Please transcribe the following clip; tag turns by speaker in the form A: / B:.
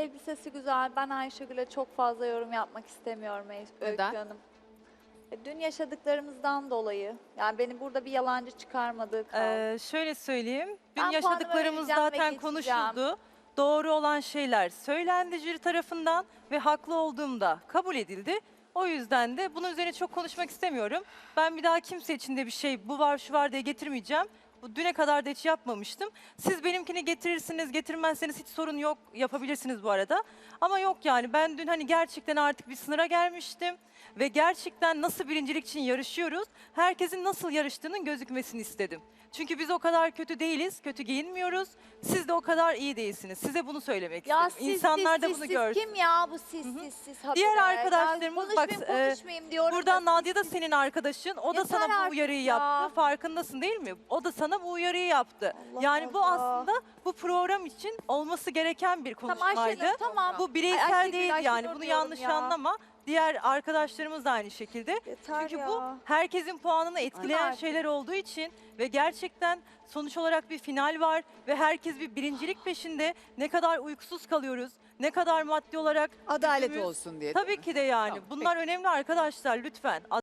A: elbisesi güzel. Ben Ayşegül'e çok fazla yorum yapmak istemiyorum Öykü
B: Neden?
A: Hanım. Dün yaşadıklarımızdan dolayı. Yani beni burada bir yalancı çıkarmadığı kaldı.
C: Şöyle söyleyeyim. Dün
A: Ben
C: yaşadıklarımız
A: puanımı vereceğim
C: zaten
A: ve geçeceğim.
C: konuşuldu. Doğru olan şeyler söylendi jüri tarafından ve haklı olduğumda kabul edildi. O yüzden de bunun üzerine çok konuşmak istemiyorum. Ben bir daha kimse için de bir şey bu var şu var diye getirmeyeceğim. Bu düne kadar da hiç yapmamıştım. Siz benimkini getirirsiniz, getirmezseniz hiç sorun yok. Yapabilirsiniz bu arada. Ama yok yani ben dün hani gerçekten artık bir sınıra gelmiştim. Ve gerçekten nasıl birincilik için yarışıyoruz, herkesin nasıl yarıştığının gözükmesini istedim. Çünkü biz o kadar kötü değiliz, kötü giyinmiyoruz. Siz de o kadar iyi değilsiniz. Size bunu söylemek
A: Ya
C: istedim.
A: siz,
C: İnsanlar
A: siz,
C: da
A: siz,
C: bunu
A: siz
C: görsün.
A: kim ya bu siz, siz habire?
C: Diğer
A: Ya
C: arkadaşlarımız bak,
A: konuşmayayım diyorum.
C: buradan
A: da
C: Nadia da senin arkadaşın. O da
A: Yeter
C: sana bu
A: artık
C: uyarıyı
A: ya.
C: yaptı. Farkındasın değil mi? O da sana bu uyarıyı yaptı.
A: Allah
C: Yani bu
A: Allah.
C: aslında bu program için olması gereken bir
A: Tamam
C: konuşmaydı.
A: Ayşenur tamam.
C: Bu bireysel
A: Ayşegül,
C: değil
A: Ayşenur
C: yani. Bunu
A: diyorum
C: yanlış
A: ya.
C: anlama. Diğer arkadaşlarımız da aynı şekilde.
A: Yeter
C: Çünkü
A: ya.
C: bu herkesin puanını etkileyen
A: artık.
C: şeyler olduğu için ve gerçekten sonuç olarak bir final var ve herkes bir birincilik peşinde. Ne kadar uykusuz kalıyoruz, ne kadar maddi olarak
B: Adalet
C: gücümüz-
B: olsun diye.
C: Tabii ki de yani.
B: Tamam,
C: Bunlar önemli arkadaşlar lütfen.